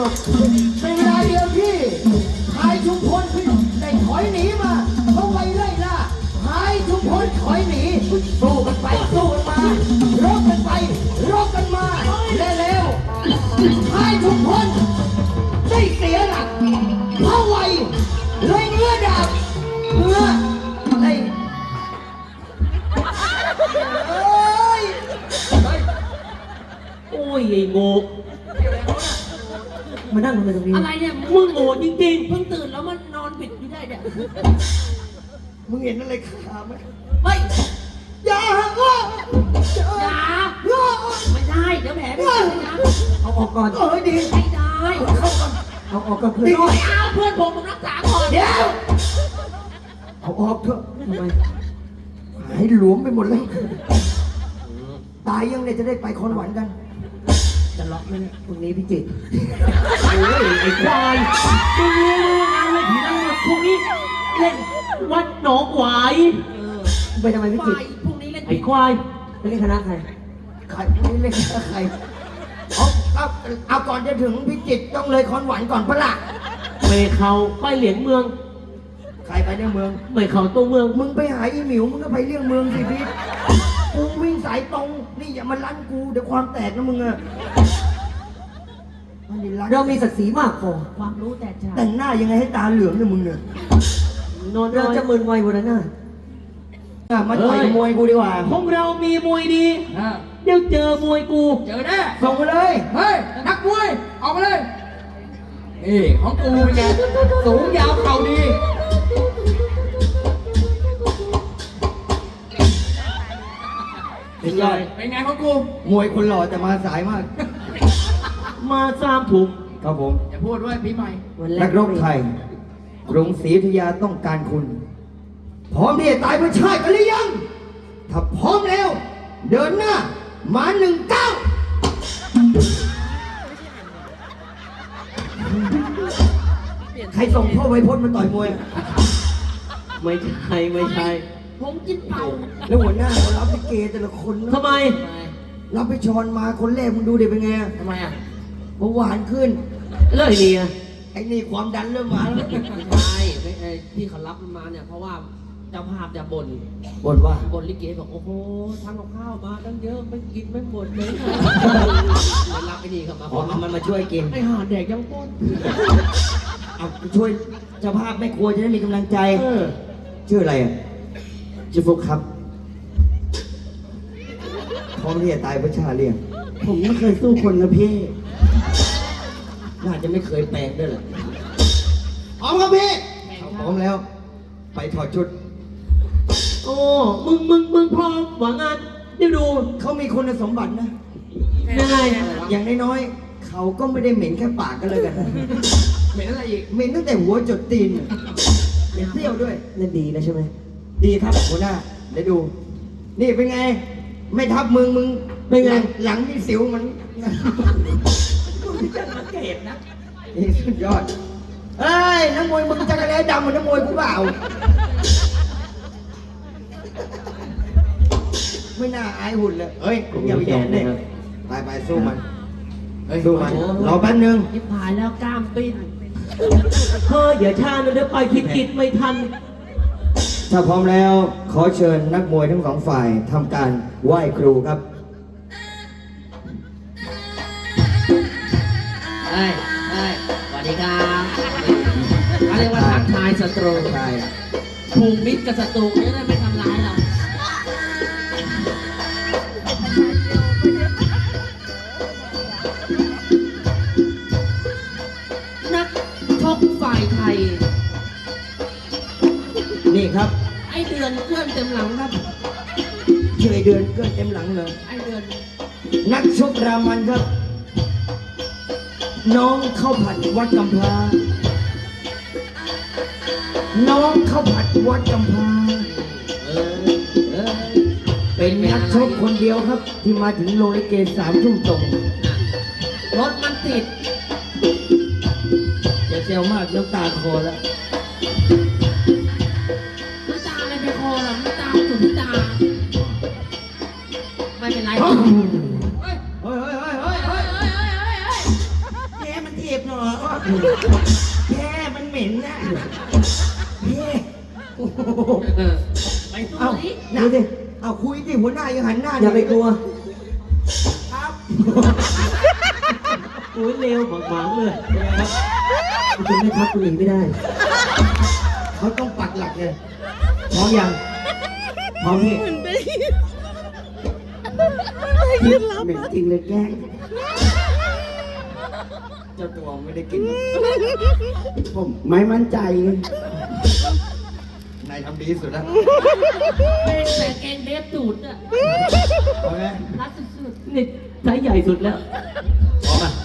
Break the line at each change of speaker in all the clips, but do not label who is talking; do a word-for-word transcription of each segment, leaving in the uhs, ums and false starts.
บเป็นเวลาเดียวที่ชายชุมพลได้ถอยหนีมาเขาไปไล่ล่าชายชุมพลถอยหนีสู้กันไปสู้กันมารบกันไปรบกันมาและแล้วชายชุมพลได้เสียหลักเพราะไวเลยเนื้อดาบเนื้ออะไรเอ้ย
โอ้ยไอ้โง่มานั่งทำไมตรงนี้
อะไรเนี่ย
มึงโง่จริง
เพิ่งตื่นแล้วมันนอนปิดอยู่ได้เนี่ย
มึงเห็นอะไรขาไหม
เฮ้ย
อย่าอ้อ
อย่า
อ้อ
ไม่ได้เดี๋ยวแผลไม่ได้นะ
ๆ เอาออกก่อน
เออดี
ไม่ได้
เข้าก่อน
เอาออกก่อนเพื่อน
ไม่เอาเพื่อนผมผมรักษาก่อน
เดี๋ยวเอาออกเถอะ
ทำไม
หายหลวมไปหมดเลยตายยังเนี่ยจะได้ไปคอนหวันกัน
จะล็อกไหมเนี่ยพรุ่งนี้พี่จิตรโอ้ยไอ้ควายมึงรู้งานเลยผีนั่งพรุ่งนี้เล่นวัดหนองหวาย
เออ
ไปทำไมพี่จิต
ไฟ
ร
พรุ่งนี้เล่น
ไอ้ควายไปเล่นคณะใคร
ใครนี่เล่นกับใครเอาเอาเอาก่อนจะถึงพิจิตรต้องเลยคอนหวันก่อนปะล่ะ
ไปเขาไปเหลียงเมือง
ใครไปในเมือง
ไปเขาตัวเมือง
มึงไปหาอีหมิวมึงก็ไปเลี่ยงเมืองสิพี่กูวิ่งสายตรงนี่อย่ามาลั่นกูเดี๋ยวความแตกนะมึงอะมันนี่ลั่น
เรามีศักดิ์ศรีมากพอ
ความรู้แต่ชา
แต่งหน้ายังไงให้ตาเหลืองเนี่ยมึงเนี่ย
นอนเราจะมึนไววันนั้นน่ะ
อ่ะมาต่อยมวยกูดีกว่า
ของเรามีมวยดี
อ่ะ
เดี๋ยวเจอมวยกู
เจอแน่
ส่งมาเลย
เฮ้ย นักมวยออกมาเลยนี่ของกูเป็นไงสูงยาวเข่าดี
เป็นยอด
เป็นไงของกู
มวยคนหล่อแต่มาสายมาก
มาสามถุง
ครับผม
อย่าพูดด้วยปีใหม่
วันแร
นั
ก
กรบไทยกรุงศรีอยุธยาต้องการคุณ พร้อมที่จะตายเพื่อชาติกันหรือยัง ถ้าพร้อมแล้ว เดินหน้า มาหนึ่งเก้าใครส่งพ่อไวพจน์มาต่อยมวย
ไม่ใช่ไม่ใช่
ผมกินเป่า
แล้วหัวหน้าเขารับไปเกแต่ละคนนะ
ทำไม
รับไปชอนมาคนแรกมึงดูเด็กเป็นไง
ทำไมอ่ะ
เบาหวานขึ้น
เลิกดีอะ
ไอ้นี่ความดันเริ่มมาแล้ว
ไม่ใช่ไม่ไอ้ที่เขารับมันมาเนี่ยเพราะว่าเจ้าภาพจะบ่น
บ่นว่า
บ่นลิเกบอกโอ้โหทำกับข้าวมาตั้งเยอะไม่กินไม่หมดเลยเลยรับไอ้นี่เข้ามา
อ๋อเอามันมาช่วยกิน
ไอ้ห่าแดกยังป้น
เอาช่วยเจ้าภาพแม่ครัวจะได้มีกำลังใจ
เออ
ชื่ออะไรอ่ะชื่อฟุกครับพร้อมที่จะตายเพื่อชาติเรียง
ผมไม่เคยสู้คนนะพี่
น่าจะไม่เคยแปลงด้วยแหละพร้อมครับพี่พร้อมแล้ว ไปถอดชุด
โอ้มึงมึงมึงพร้อมหวังงานเดี๋ยวดู
เขามีคุณสมบัตินะ
ยังไง
อย่างน้อยๆเขาก็ไม่ได้เหม็นแค่ปากกันเลยกันนะ
เหม็นอะไรอีก
เหม็นตั้งแต่หัวจดตีนเหม็นเที่ยวด้วย
นั่นดีนะใช่ไหม
ดีครับหัวหน้าเดี๋ยวดู นี่เป็นไง ไม่ทับมึงมึง
เป็นไง
หลัหลังมีสิวมัน
จะสังเกตนะ
นี่สุดยอดเอ้ยนักมวยมึงจะกระแลดำเหมือนนักมวยกูเปล่า ไม่น่าอายหุ่นเลยเฮ้ยอย่าไปยอมเนี่ยไปไปสู้มัน
เฮ้ย
สู้มันรอแป๊บนึง
ยิบหายแล้วกล้ามปิ้น
เฮ้ยอย่าช้านะเดี๋ยวไปคิดกิจไม่ทัน
ถ้าพร้อมแล้วขอเชิญนักมวยทั้งสองฝ่ายทำการไหว้ครูครับ
เฮ้ยเฮ้ยสวัสดีครับเขาเรียกว่าทักทายศัตรู
ใช่
ผูกมิตรกับศัตรูจะได้ไม่ทำร้ายเรา นักชกฝ่ายไทย
นี่ครับ
ไอเดือนเพื่อนเต็มหลังครับ
เชยเดือนเกินเต็มหลังเลย
ไอเดือน
นักชกรามันครับ น้องเข้าวผัดวัดกำพร้าน้องเข้าวผัดวัดกำพร้า
เออเออ
เป็นนักชกคนเดียวครับ ที่มาถึงโรงลิเกสามทุ่มตรง
รถมันติด
อย่าเซลมากน้ำตาคอแล้ว
น้ำตาอะไรไปคอหรอน้ำตาอยู่ที่ตา ไม่เป็นไร
เฮ้ย
เฮ้ย
เฮ้ยเฮ้ยเฮ้ยเฮ้ย
เฮ้ยเฮ้ยเฮ้ยเฮ้ยเฮ้ยแกมันเทปหน่อย
แค่มันเหม็นนะแค่โอ้โห
เออไปสู้
เอา
ดิ
ดูดิเอาคุยดิหัวหน้ายังหันหน้า
อย่าไปกลัว
ครับ
โอ้ยเร็วหวังๆเลยคุณไม่ทักคุณหญิงไม่ได้
เขาต้องปักหลักเลยพร้อมยังพร้อมพี่
เหม็นจริงเลยแกล้ง
เจ้าตัวไม่ได้กิน
ผมไม่มั่นใจ
นายทำดีที่สุดแล้ว
เป็นแต่แกงเดฟตูดอ่ะ
เอาไหม
รัดสุด
นี่ไซส์ใหญ่สุดแล้ว
พร้อมอ่ะ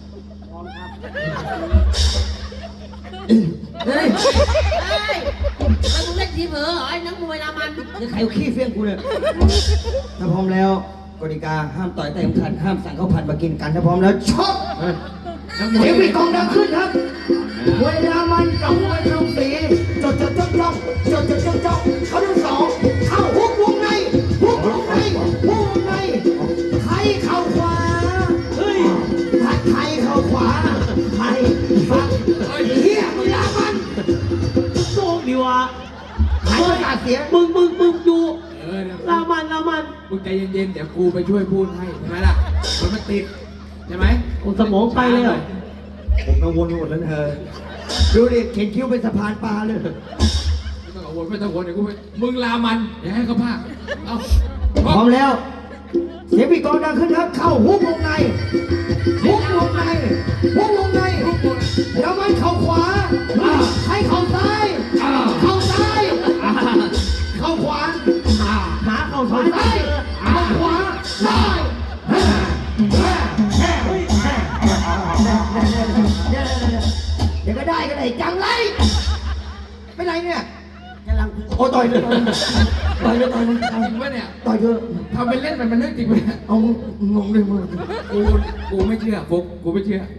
ๆเฮ้ยเฮ้ยแล้วมึงเล่นทีเผลอเหรอไอ้นักมวยรามัน
นี่ใครเอาขี้เฟี้ยงกูเนี่ยถ้าพร้อมแล้วกติกาห้ามต่อยแต่สำคัญห้ามสั่งข้าวผัดมากินกันถ้าพร้อมแล้วชก เสียงปีกองดังขึ้นครับเวลามันกับมวยตรงสีจดจดจ้องจ้องจดจดจ้องจ้องเขาทั้งสองเข้าหุกวงในหุกวงในหุกวงในไทยเข้าขวาเฮ้ยผัดไทยเข้าขวาไทยฟังเฮียเวลามัน
โชคดีวะ
หายประกาศเสียง
มึงมึงมึงดู
เออเนี่ย
ลามันลามัน
มึงใจเย็นๆ เดี๋ยวกูไปช่วยพูดให้ใช่ไหมล่ะ มันมันติดใช่ไหม
โอ้สมองไปเลยเหรอ
ผมกังวลหมดแล้วเธอดูดิเข็นคิ้วเป็นสะพานปลาเลย
ไม่ต้องกังวลไม่ต้องกังวลเดี๋ยวกูไปมึงลามันเดี๋ยวให้เขาพากเอา
พร้อมแล้ว เสียงปีกองดังขึ้นครับ เข้าหุกวงในหุกวงในหุกวงในแล้วมันเข้าขวาให้เข้าซ้ายเข้าซ้ายเข้าขวา
หาเข่า
เข้า
ซ้าย
ซ้ายเข้าขวาซ้ายเดี๋ยวก็ได้ก็ได้จังไรเป็นไรเนี่ยกำลังโอ้ต่อยเลยต่อยเลยต่อยเลยต่อย
จริงปะเนี่ย
ต่อยเถอะ
ทำเป็นเล่นมันมันเรื่องจริงปะเนี่ย
เอางงเลยมึง
กูกูไม่เชื่อฟุกกูไม่เชื่อ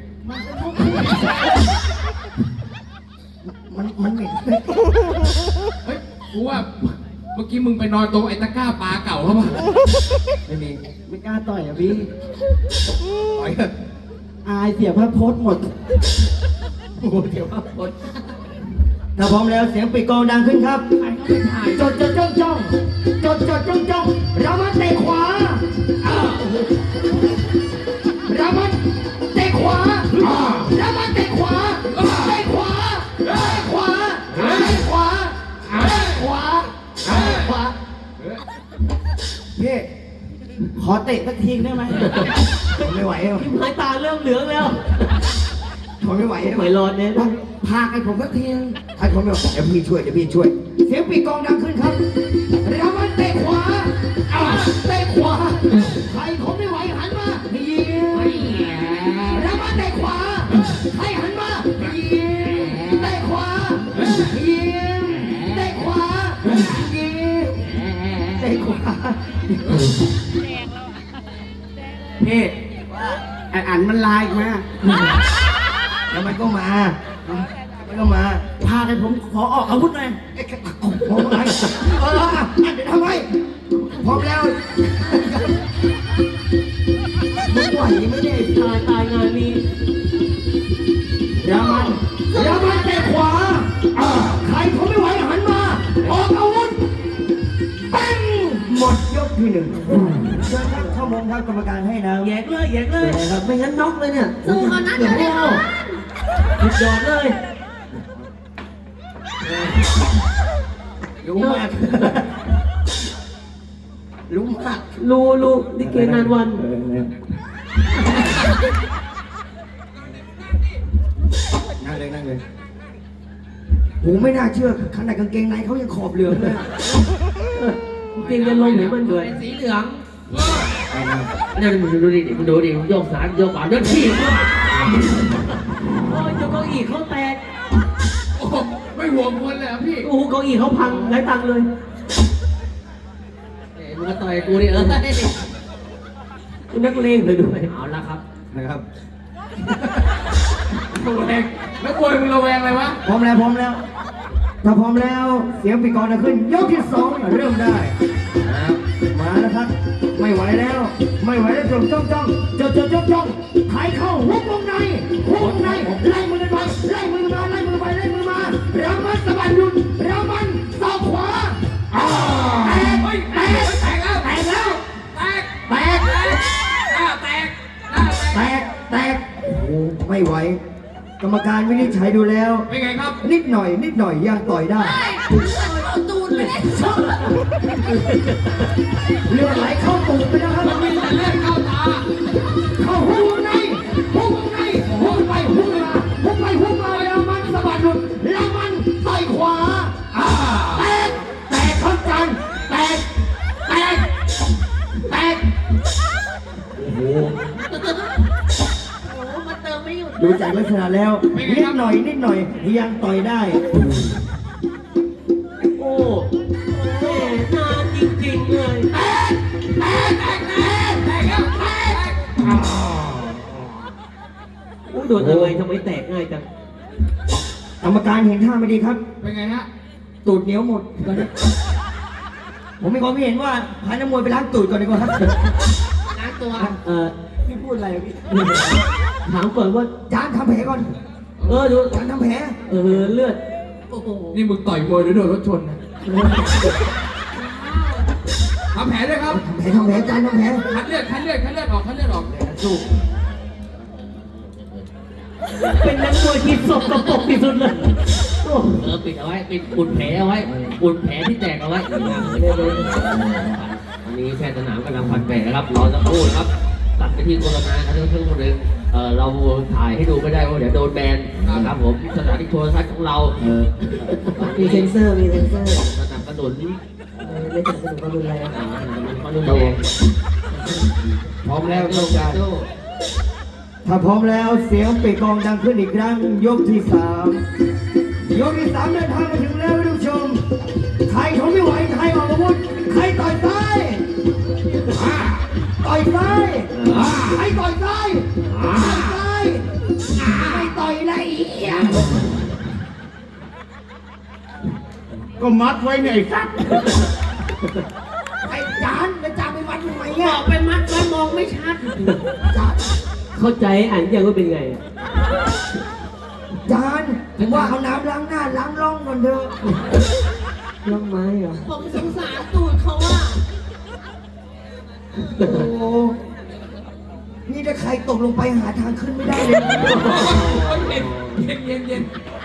มันมันเหม็น
เฮ้ยกูว่าเมื่อกี้มึงไปนอนตรงไอ้ตะกร้าปลาเก่าเขาป่ะ
ไม่มี
ไม่กล้าต่อยอ่ะพี่
ต่อยเถอะ
อายเสียพระพจน์หมด
โอ้โหเดี๋ยวครับคนถ้าพร้อมแล้วเสียงปีกกองดังขึ้นครับ
ใครเขาไปถ่าย
จดจดจ้องจ้องจดจดจ้องจ้องเรามันเตะขวาอ้าวเรามันเตะขวาอ้าวเรามันเตะขวาเตะขวาเตะขวาเตะขวาเตะขวาเตะขวาพี่
ขอเตะสักทีได้ไหม
ทนไม่ไหวแล้ว
ทิมหายตาเริ่มเหลืองแล้ว
ทนไม่ไหวแล้ว
ไหวรอนเนี่ย
พาให้ผมสักทีนึงให้ผมแบบเดี๋ยวพี่ช่วยเดี๋ยวพี่ช่วย เสียงปีกกองดังขึ้นครับเรามันเตะขวาอ้าวเตะขวาใครผมไม่ไหวหันมายิงเรามันเตะขวาใครหันมายิงเตะขวายิงเตะขวายิงเตะขวา
พี่ไออันมันลายมา
แล้วมันก็มามันก็มา
พากันผมขอออกอาวุธหน่อย
ไอ้ผมอะไรเอออ่ะเดี๋ยวทำไมพร้อมแล้วมึงไหวไหมเนี่ย
ตายตายงานนี้
อย่ามันอย่ามันเตะขวาอ่าใครเขาไม่ไหวหันมา ออกอาวุธปังหมดยกที่หนึ่งเชิญครับเข้ามงครับกรรมการให้นะ
แยกเลยแยกเลยครับไม่งั้นน็อกเลยเนี่ย
สู้เขานะเดี๋ยวได้เขา
สุดยอดเลย
รู้มากรู้มาก
รูรูลิเกนานวัน
นั่งเลยนั่งเลยโหไม่น่าเชื่อขนาดกางเกงในเขายังขอบเหลืองเลย
เกงจะลงไหนมันด้วย
เป็นสีเหลือง
เนี่ยมึงดูดิมึงดูดิมึงโยกซ้ายโยกขวาเดินขี่โอ้ยเจ้าเก้าอี้เขาแตก
โอ้โหไม่ห่วงคนเลยเหรอพี่
โอ้โหเก้าอี้เขาพังไร้ตังค์เลย
เอ้ยมึงก็ต่อยกูดิเออ
คุณนักเลงเลยด้วย
เอาละครับ
นะครับ
ระแวงแล้วกลัวมึงระแวงอะไรวะ
พร้อมแล้วพร้อมแล้วถ้าพร้อมแล้วเสียงปีกกองจะขึ้นยกที่สองเริ่มได้มาแล้วครับ ไม่ไหวแล้ว ไม่ไหวแล้วจ้องจ้องจ้องจ้องจ้องจ้องจ้องใครเข้าหุบวงในหุบวงในไม่ไหวกรรมการวินิจฉัยดูแล้ว
เป็นไงครับ
นิดหน่อย นิดหน่อยยังต่อยได้
เอาตูดไปเลย
เลือดไหลเข้าตูดไปนะครับ
มันมีแต่เลือดเข้าตา
เข้าหูวงในหูวงในหูไปหูมาหูไปหูมาแล้วมันสะบัดหลุดแล้วมันต่อยขวาอ่าแตกแตกครับจันแตกแตกแตก
โอ้โห
โอ้มาเติมไม่หยุด
ดูจากลักษณะแล้ว นิดหน่อยนิดหน่อยยังต่อยได้
โอ้แม่นานจริงๆเลย
แตกแตกแตกแตกแตกแล้วแตกอ่า
โอ้โดนอะไรทำไมแตกง่ายจัง
กรรมการเห็นท่าไม่ดีครับ
เป็นไงฮะ
ตูดเหนียวหมดตอนนี้ผมมีความเห็นว่าพานักมวยไปล้างตูดก่อนดีกว่าครับ
ล้างตัว
เอ่อ
พี่พูดอะไรพี่
ถามก่อนว่า
จานทำแผลก่อน
เออดู
จานทำแผล
เออเลือด
โอ้โห
นี่มึงต่อยมวยหรือโดนรถชนนะทำแผลด้วยครับ
ทำแผลทำแผลจานทำแผล
คัดเลือดคัดเลือดคัดเลือดออกคัดเลือดออกสู้
เป็นนักมวยที่สกปรกที่สุดเลยโอ้
เออปิดเอาไว้ปิดอุดแผลเอาไว้อุดแผลที่แตกเอาไว้อันนี้แพทย์สนามกำลังพันแผลนะครับรอสักครู่นะครับตัดไปที่โฆษณาครับเพื่อนคนหนึ่งเออเราถ่ายให้ดูไม่ได้เพราะเดี๋ยวโดนแบนนะครับผมสถานีโทรทัศน์ของเรา
มีเซนเซอร์มีเซนเซอร์
สนับสนุน
ไม่สนับสนุนความรุนแรง
อ่าสนับสนุนความรุนแรง
พร้อมแล้ว
โล
ต้อง
กา
การ
โต้
ถ้าพร้อมแล้วเสียงปีกองดังขึ้นอีกครั้งยกที่สามยกที่สามเดินทางมาถึงแล้วท่านผู้ชมใครทนไม่ไหวใครออกอาวุธใครต่อยซ้ายอ่าต่อยซ้ายอ่าใครต่อยซ้ายอ่าต่อยซ้ายอ่าไม่ต่อยละเอียด
ก็มัดไว้เนี่ยไอ้สัตว์
ไอ้จานแล้วจานไปวัดทำไม
บ
อ่ะ
อกไปมัดไว้มองไม่ชัด
จาน
เข้าใจอ่านยังว่าเป็นไง
จานผมว่าเอาน้ำล้างหน้าล้างร่องก่อนเถอะ
ล่องไม้เหรอ
ผมสงสารตูดเขาว่า
โอ้โหนี่ถ้าใครตกลงไปหาทางขึ้นไม่ได้เลยนะ
เย็นเย็นเย็น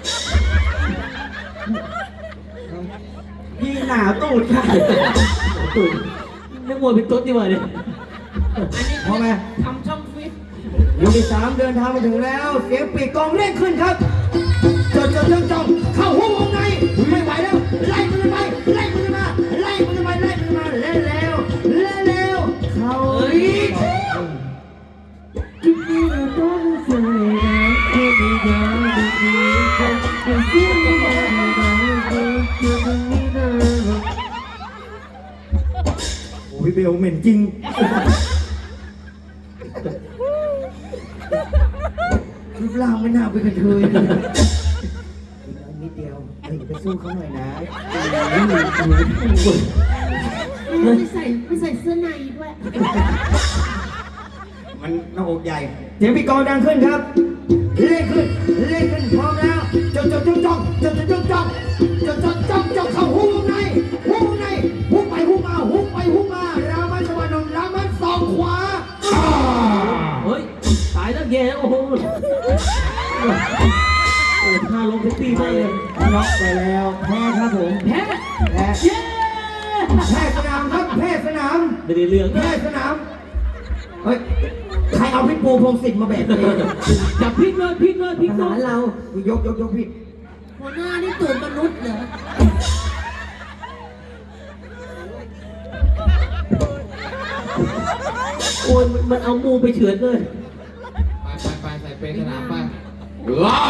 พี่หนาวตูดค่ะ
ตื่นนักมวยเป็นตุ๊ดดีกว่าเนี่ย
อันนี้
พอไหม
ทำช่องฟิต
ยกที่สามเดินทางมาถึงแล้ว เสียงปีกกองเร่งขึ้นครับจดจดจ้องจ้องเข้าหัววงในไม่ไหวแล้วไล่มันไปไล่มันมาไล่มันไปไล่มันมาเล่นแล้วเล่นแล้วเข้าอีก โอ้ยเบลเหม็นจริง รูปร่างไม่น่าเป็นกระเทยเลยนิดเดียวเฮ้ยไปสู้เขาหน่อยนะ
ไม่ใส่ไม่ใส่เสื้อในด้วย
มันหน้าอกใหญ่เสียงปีกองดังขึ้นครับ เล่นขึ้น เล่นขึ้นพร้อมแล้วจดจดจ้องจ้องจดจดจ้องจ้องจดจดจ้องจ้องเข้าหูวงในหูวงในหูไปหูมาหูไปหูมารามันสวรรค์รามันสองขวาอ่า
เฮ้ยตายแล้วแย่โอ้โหโอ้ท่าลงเซ็กซี่มากเลย
น็อกไปแล้วแพ้ครับผม
แพ้
แพ้
เย้
แพ้สนามครับแพ้สนาม
ไม่ได้เรื่อง
แพ้สนามเฮ้ยใครเอาพี่ปูพงศิษฐ์มาแบกเอง
จับพลิกเลยพลิกเลยพลิก
ท
เล
หาร
ย
เรายกยกยกพี่
หัวหน้านี่ตูดมนุษย์เหรอ
โอ้ยมันเอามูไปเฉือนเลย
ไปไปไปใส่เปรย์สนามไปว้าว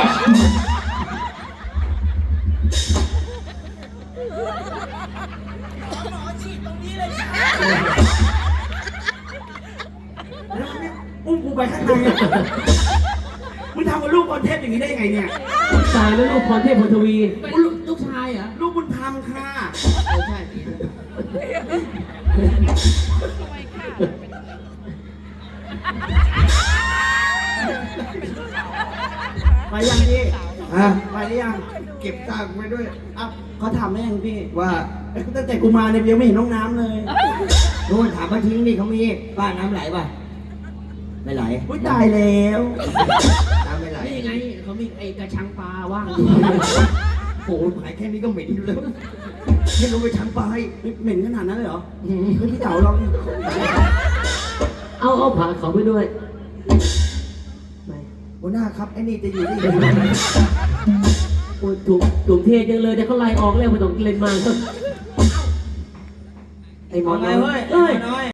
อุ้มกูไปข้างในอะมึงทำกับลูกคอนเทนต์อย่างนี้ได้ยังไงเนี่ย
ตายแล้วลูกพรเทพพลทวี
เป็นลูกชายเหรอ
ลูกบุญธรรมค่ะ
เออใช่
ไปยังพี่
ฮะ
ไปหรือยัง เก็บซากไว้ด้วยอ่ะเขาถามได้ยังพี่
ว่า
ตั้งแต่กูมาเนี่ยยังไม่เห็นน้องน้ำเลย
โน่นถามมาทิ้งนี่เขามีบ้านน้ำไหลป่ะไม่ไหล
อุ้ยตายแล้ว
น้ำไม่ไหล
นี่ไงเขามีไอ้กระชังปลาว่างอยู่
โอ้โหหายแค่นี้ก็เหม็นอยู่แล้วให้ลงไปชั้นปลาย
เหม็นขนาดนั้นเลยเหรอเฮ้ยพี่เต๋าลอง
เอาเอาผ่าเขาไปด้วยไป
หัวหน้าครับไอ้นี่จะอยู่นี่
โอ้ยถูกถูกเทจังเลยแต่เขาไล่ออกแล้วไม่ต้องเล่นมากไอ้หมอ
เอาไง
น้อย
เว้ย
เอ้ย
น้อย